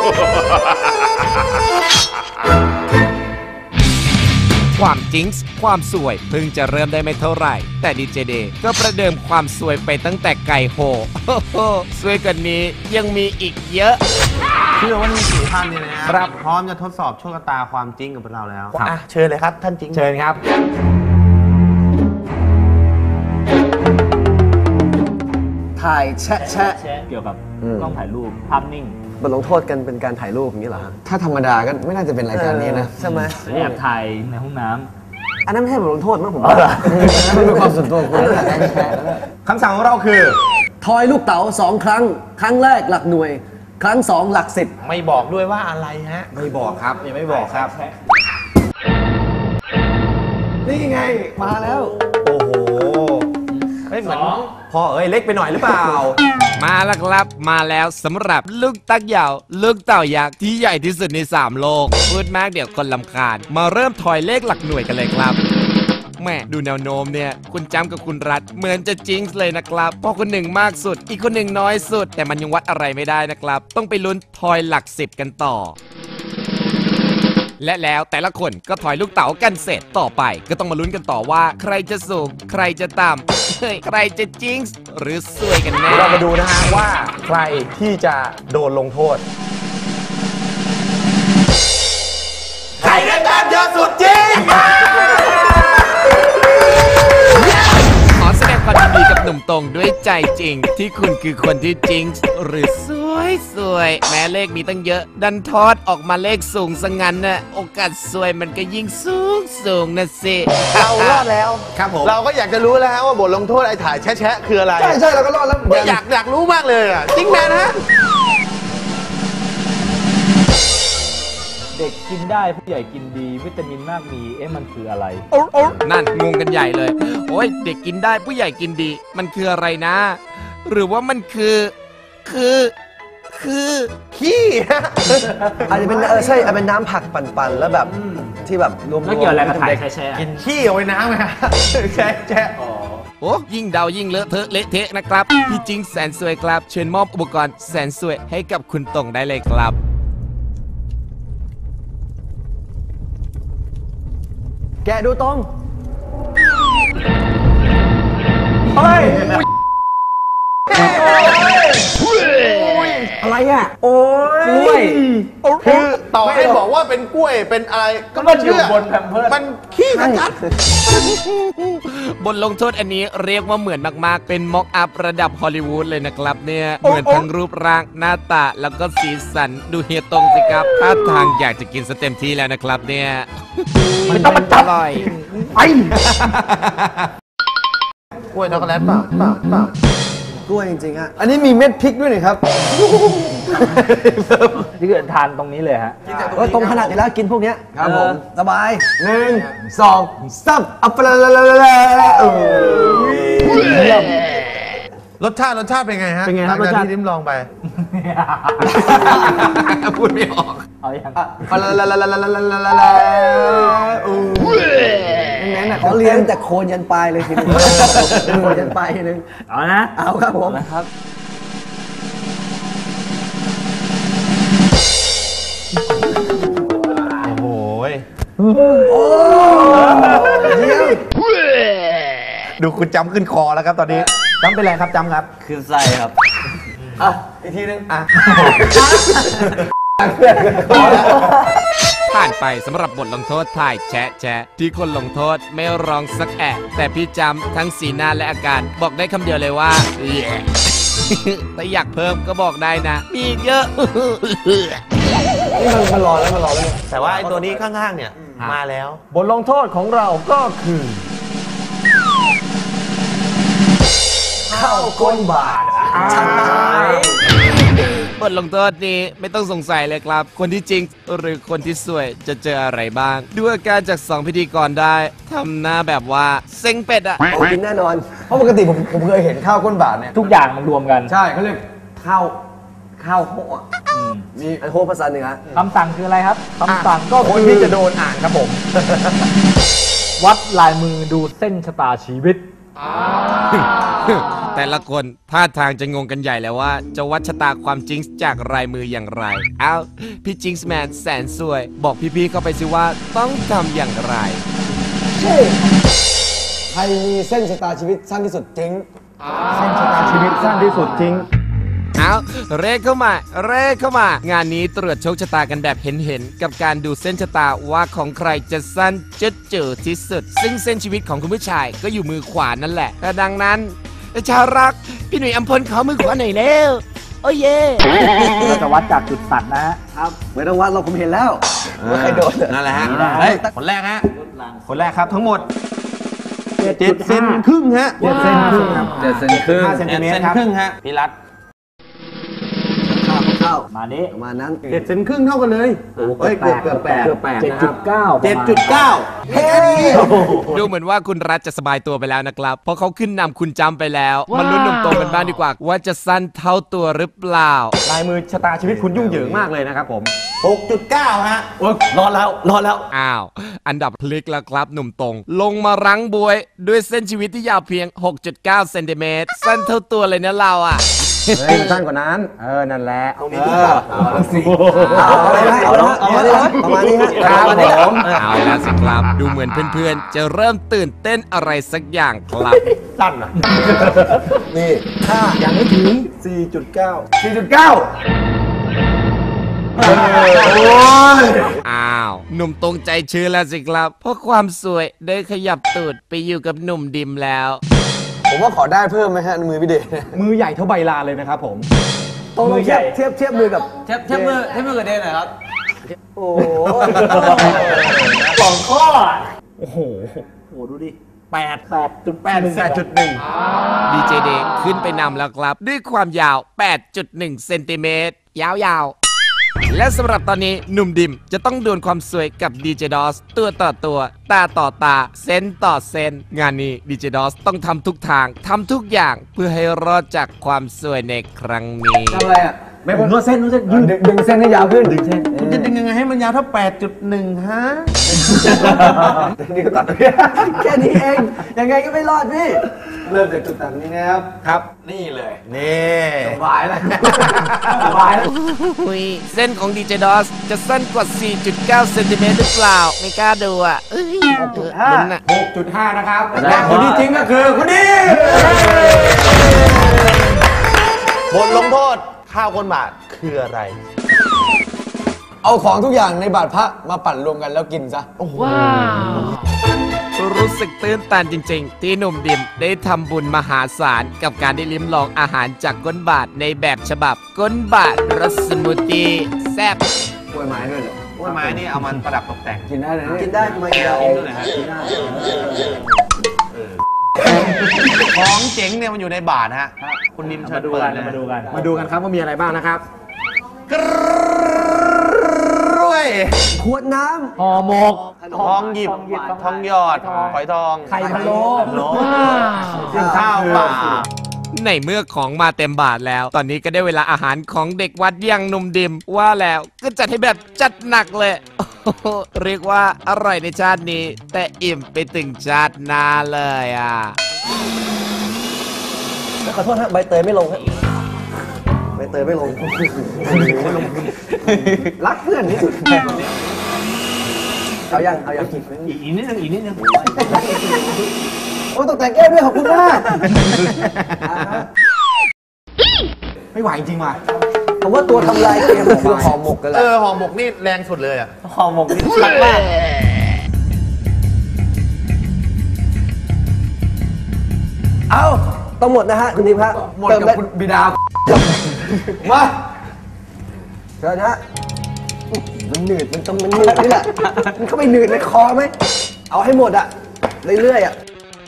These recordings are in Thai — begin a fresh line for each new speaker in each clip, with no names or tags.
ความจิงส์ความสวยเพิ่งจะเริ่มได้ไม่เท่าไหร่แต่ดีเจเดย์ก็ประเดิมความสวยไปตั้งแต่ไก่โหสวยกว่านี้ยังมีอีกเยอะ
เชื่อว่าทั้ง4ท่านเนี่ยนะครับพร้อมจะทดสอบโชคชะตาความจริงกับเราแล้วเชิญเลยครับท่านจริง
เชิญครับ
ถ่ายแชะ
เกี่ยวกับกล้องถ่ายรูปภาพนิ่ง
บทลงโทษกันเป็นการถ่ายรูปอย่างนี้เหรอถ้าธรรมดาก็ไม่น่าจะเป็นรายการนี้นะใช่ไหม
แอบถ่ายในห้องน้ำ
อันนั้นไม่ใช่บทลงโทษมั้งผมว่ามันเป็นความส่วนตัวคุณ
คำสั่งของเราคือ
ทอยลูกเต๋า2 ครั้งครั้งแรกหลักหน่วยครั้ง2หลัก10
ไม่บอกด้วยว่าอะไรฮะ
ไม่บอกครับยังไม่บอกครับ
นี่ไงมาแล้ว
โอ้โหไม่เหมือนพอเล็กไปหน่อยหรือเปล่า
มาแล้วครับมาแล้วสำหรับลูกตักยาวลูกเต่ายักษ์ที่ใหญ่ที่สุดใน3โลกพูดมากเดี๋ยวคนลำคาญมาเริ่มทอยเลขหลักหน่วยกันเลยครับแม่ดูแนวโน้มเนี่ยคุณจำกับคุณรัฐเหมือนจะจิงส์เลยนะครับเพราะคนหนึ่งมากสุดอีกคนหนึ่งน้อยสุดแต่มันยังวัดอะไรไม่ได้นะครับต้องไปลุ้นทอยหลัก10กันต่อและแล้วแต่ละคนก็ถอยลูกเต๋ากันเสร็จต่อไปก็ต้องมาลุ้นกันต่อว่าใครจะสูงใครจะต่ำใครจะจิงส์หรือซวยกันแน่
เรามาดูนะฮะว่าใครที่จะโดนลงโทษใครได้แต้มเยอะสุดจริง
ขอแสดงความยินดีกับหนุ่มตรงด้วยใจจริงที่คุณคือคนที่จิงส์หรือสวยแม้เลขมีตั้งเยอะดันทอดออกมาเลขสูงซะงั้นน่ะโอกาสสวยมันก็ยิ่งสูงนะสิ
เรารอดแล้ว
ครับผม
เราก็อยากจะรู้แล้วฮะว่าบทลงโทษไอ้ถ่ายแชะคืออะไร
ใช่เราก็รอดแล้ว
อยากรู้มากเลยอ่ะจริงแมนฮะ
เด็กกินได้ผู้ใหญ่กินดีวิตามินมากมีมันคืออะไร
นั่นงงกันใหญ่เลยโอ้ยเด็กกินได้ผู้ใหญ่กินดีมันคืออะไรนะหรือว่ามันคือ
ขี้
อาจจะเป็นใช่เป็นน้ำผักปั่นๆแล้วแบบที่แบบรวมๆ
แล้วเกี่ยวอะไรกับถ่ายแชะ
กินขี้เอาไว้น้ำไหมฮะแชะ
โอ้ยิ่งเดายิ่งเลอะเทอะเละเทะนะครับพี่จิงแสนสวยครับเชิญมอบอุปกรณ์แสนสวยให้กับคุณตงได้เลยครับ
แกดูตรง
เฮ้ย
อะไรอ่ะ
โอ้ยคือต่อให้บอกว่าเป็นกล้วยเป็นอะไรก็
มันอยู่บนแพมเพิร์ส
มันขี้ชัด
บทลงโทษอันนี้เรียกว่าเหมือนมากๆเป็นม็อกอัพระดับฮอลลีวูดเลยนะครับเนี่ยเหมือนทั้งรูปร่างหน้าตาแล้วก็สีสันดูเฮียตรงสิครับท่าทางอยากจะกินสเต็มที่แล้วนะครับเนี่ย
ไม่ต้องมาจับ
เลย
ไปกล้วยช็อกโกแลตเปล่าก
ล้วยจริงๆฮะอันนี้มีเม็ดพริกด้วยนี่ครับ
ที่เกิดทานตรงนี้เลยฮะ
ก็ตรงขนาดนี้แล้วกินพวกนี้ครับผมสบาย1 2 3อัปลาลา
เยี่ยมรสชาติเป็นไงฮะ
เป็นไงครับรสชาติ
ที่ลิ้มลองไป
พูดไม่ออก
เอาอย่าง
งั้นน่ะเขาเลี้ยงแต่โคนยันปลายเลยทีนึงโคนยันปลายทีนึง
เอานะ
เอาครับผม
นะครับ
โอ้ยดูคุณจำขึ้นคอแล้วครับตอนนี้จำเป็นไรครับจำครับ
ขึ้นไส้ครับ
อีกทีนึง
ผ่านไปสำหรับบทลงโทษถ่ายแชะที่คนลงโทษไม่ร้องสักแอะแต่พี่จำทั้งสีหน้าและอาการบอกได้คำเดียวเลยว่าแต่อยากเพิ่มก็บอกได้นะมีเยอะ
นี่มันรอแล้ว
แต่ว่าไอ้ตัวนี้ข้างๆเนี่ยมาแล้ว
บทลงโทษของเราก็คือเข้าก้นบาท
บทลงโทษนี้ไม่ต้องสงสัยเลยครับคนที่จริงหรือคนที่สวยจะเจออะไรบ้างดูอาการจาก2พิธีกรได้ทำหน้าแบบว่าเซ็งเป็ดอะ
กินแน่นอนเพราะปกติผมเคยเห็นข้าวก้นบาทเนี่ย
ทุกอย่างมันรวมกัน
ใช่เขาเรียกข้าวโฮะมีโฮภาษาเหนือ
คำสั่งคืออะไรครับคำสั่งก็
คนที่จะโดนอ่านครับผม
วัดลายมือดูเส้นชะตาชีวิต
แต่ละคนท่าทางจะงงกันใหญ่แล้วว่าจะวัดชะตาความจริงจากลายมืออย่างไร เอ้าพี่จิงส์แมนแสนสวย บอกพี่ๆเข้าไปสิว่าต้องทำอย่างไร
ใครมีเส้นชะตาชีวิตสั้นที่สุดจริง
เส้นชะตาชีวิตสั้นที่สุดจริง
เอาเร่เข้ามา งานนี้ตรวจโชคชะตากันแบบเห็นๆกับการดูเส้นชะตาว่าของใครจะสั้นจะเจอที่สุด ซึ่งเส้นชีวิตของคุณผู้ชายก็อยู่มือขวานั่นแหละแต่ดังนั้นชาวรักพี่หนุ่ยอัมพลขอมือขวาหน่อยเร็วโอ้เย่
เราจะวัดจากจุดตัดนะฮะ
ครับไม่ต้องวัดเราผมเห็นแล้วว่าใครโดน
นั่นแหละฮะ
ได้
เฮ้ยคนแรกฮะ คนแรกครับทั้งหมด7 เซนครึ่งฮะ
7 เซนครึ่งครับ
7 เซนครึ่ง
5 เซนติเมตร
7
ครับ
ครึ่งฮะพี่รัฐ
เข้า
มานี้
ประมาณนั้น
7 เซนครึ่งเท่ากันเลย
เฮ้ยเกือบ8
7.9
7.9
เฮ้ย
ดูเหมือนว่าคุณรัฐจะสบายตัวไปแล้วนะครับ เพราะเขาขึ้นนำคุณจำไปแล้วมาลุ้นหนุ่มโตกันบ้างดีกว่า ว่าจะสั้นเท่าตัวหรือเปล่า
ลายมือชะตาชีวิตคุณยุ่งเหยิงมากเลยนะครับผม
6.9 ฮะ
รอดแล้ว
อ้าว อันดับพลิกแล้วครับหนุ่มตรง ลงมารั้งบวย ด้วยเส้นชีวิตที่ยาวเพียง 6.9 เซนติเมตรสั้นเท่าตัวเลยนะเราอ่ะ
เฮ้ยสั้นกว่านั้น นั่นแหละ
เอาประมาณนี้ฮะ
ครับผมเอาแล้วสิครับ ดูเหมือนเพื่อนๆ จะเริ่มตื่นเต้นอะไรสักอย่างครับ
สั้นอ่ะ
นี่ถ้ายังไม่ถึง 4.9
อ้าว หนุ่มตรงใจชื้นแล้วสิครับ เพราะความสวยได้ขยับตูดไปอยู่กับหนุ่มดิมแล้ว
ผมว่าขอได้เพิ่มไหมฮะมือพี่เดช
มือใหญ่เท่าใบลานเลยนะครับผม
ต้อง
มือใหญ่
เทียบมือกับ
เทียบมือกับเดนหน่อยครับ
โอ้
2 ข้อ โอ้โหดูดิ 8.1
ดีเจเดย์ขึ้นไปนำแล้วครับ ด้วยความยาว 8.1 เซนติเมตร ยาวๆ และสำหรับตอนนี้หนุ่มดิมจะต้องดวลความสวยกับดีเจดอสตัวต่อตัว ตาต่อตา เซนต่อเซน งานนี้ดีเจดอสต้องทำทุกทางทำทุกอย่างเพื่อให้รอดจากความสวยในครั้งนี้
ทำอะไรอ่ะ
ไม่ผมนวดเส้น
ดึงเส้นให้ยาวขึ้นดึงเส้น
คุณจะดึงยังไงให้มันยาวเท่า 8.1 ฮะ
นี่ก็ตัดแค่นี้เองยังไงก็ไม่รอดพี่เริ่มจากจุดตัดนี้นะครับ
ครับ นี่เลย นี่
สบายแล้วสบายแล้ว
เส้นของดีเจดอสจะสั้นกว่า 4.9 เซนติเมตรหรือเปล่า ไม่กล้าดูอ่ะลุ้นน่ะ
6.5 นะครับ และคนที่จริงก็คือคนนี้บทลงโทษข้าวก้นบาทคืออะไร
เอาของทุกอย่างในบาทพระมาปั่นรวมกันแล้วกินซะ
รู้สึกตื้นตันจริงๆ ที่หนุ่มดิมได้ทำบุญมหาศาลกับการได้ลิ้มลองอาหารจากก้นบาทในแบบฉบับก้นบาทรสสมูทตี้แซ่บ
กล้วยไม้ด้วยเหรอก
ล้วยไม้นี่เอามันประดับตกแต่ง
กินได้เลยกินได้ทำไมกินได้
กินด้วยนะฮะของเจ๋งเนี่ยมันอยู่ในบาทฮะ คุณนิมเชิญ
มาดู
เปิ
กั
ด
น
เลย
มาดูกันครับว่ามีอะไรบ้างนะครับ
กล้วย
ขวดน้
ห่อหมก
ทองหยิบทองหยอดฝอยทอง
ไข่พะโล้
ข้าวเปล่า
ในเมื่อของมาเต็มบาทแล้ว ตอนนี้ก็ได้เวลาอาหารของเด็กวัดอย่างหนุ่มดิมว่าแล้วก็จัดให้แบบจัดหนักเลย โอ้โหเรียกว่าอร่อยในชาตินี้ แต่อิ่มไปถึงชาติหน้าเลยอ่ะ
ำขอโทษฮะใบเตยไม่ลงฮะใบเตยไม่ลงรักเพื่อนที่สุดเอายัง
อีกนิดนึง
โอ้ตกแต่งแก้วด้วยขอบคุณมาก
ไม่ไหวจริงว่ะ
ผมว่าตัวทำลายเกมคือห่อหมกกันแหละ
ห่อหมกนี่แรงสุดเลยอ่ะ
ห่อหมกนี่ชัดมาก
เอาต้องหมดนะฮะคุณดิมฮะ
หมดกับคุณบิดา
มาเชิญฮะมันหนืดมันหนืดนี่แหละมันเข้าไปหนืดในคอไหมเอาให้หมดอะเรื่อยๆอะ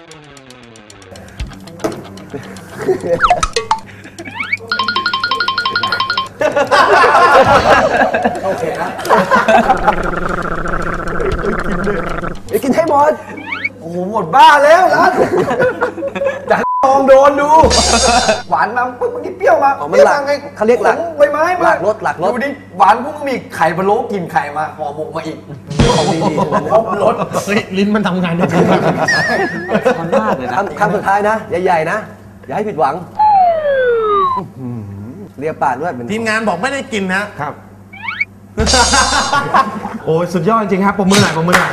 โอเคนะไปกินให้หมดโอ้โหหมดบ้าแล้วร้านจะลองโดนดูหวานมาปุ๊บมันกินเปรี้ยวมาไม่หลังไงเขาเรียกหลังใบ
ไหม
หลักรถหลักรถ
ดูดิหวานพวกมึงมีไข่พะโล้กินไข่มาห่อหมกมาอีก
ของดีๆทั้งนั้น
ครบรส
เฮ้ยลิ้นมันทำงานได้จริง
มันมากเลยนะ
คำสุดท้ายนะ ใหญ่ๆนะ อย่าให้ผิดหวังเรียกปากด้วยเป็น
ทีมงานบอกไม่ได้กินนะครับ โอ้ยสุดยอดจริงครับปรบมือหน่อยปรบมือหน่อย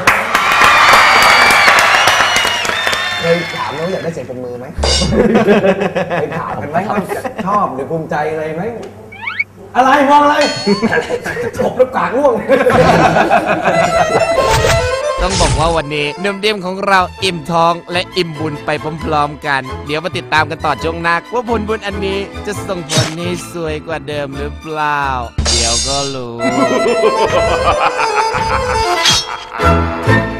เคยถามน้องอยากได้เสียงปรบมือไหมเคยถามกันไหมว่าชอบหรือภูมิใจอะไรไหม
อะไรมองอะไร
จบแล้วกากร่วง
ต้องบอกว่าวันนี้หนุ่มเดียมของเราอิ่มท้องและอิ่มบุญไปพร้อมๆกัน เดี๋ยวมาติดตามกันต่อช่วงหน้าว่าผลบุญอันนี้จะส่งผลให้สวยกว่าเดิมหรือเปล่า เดี๋ยวก็รู้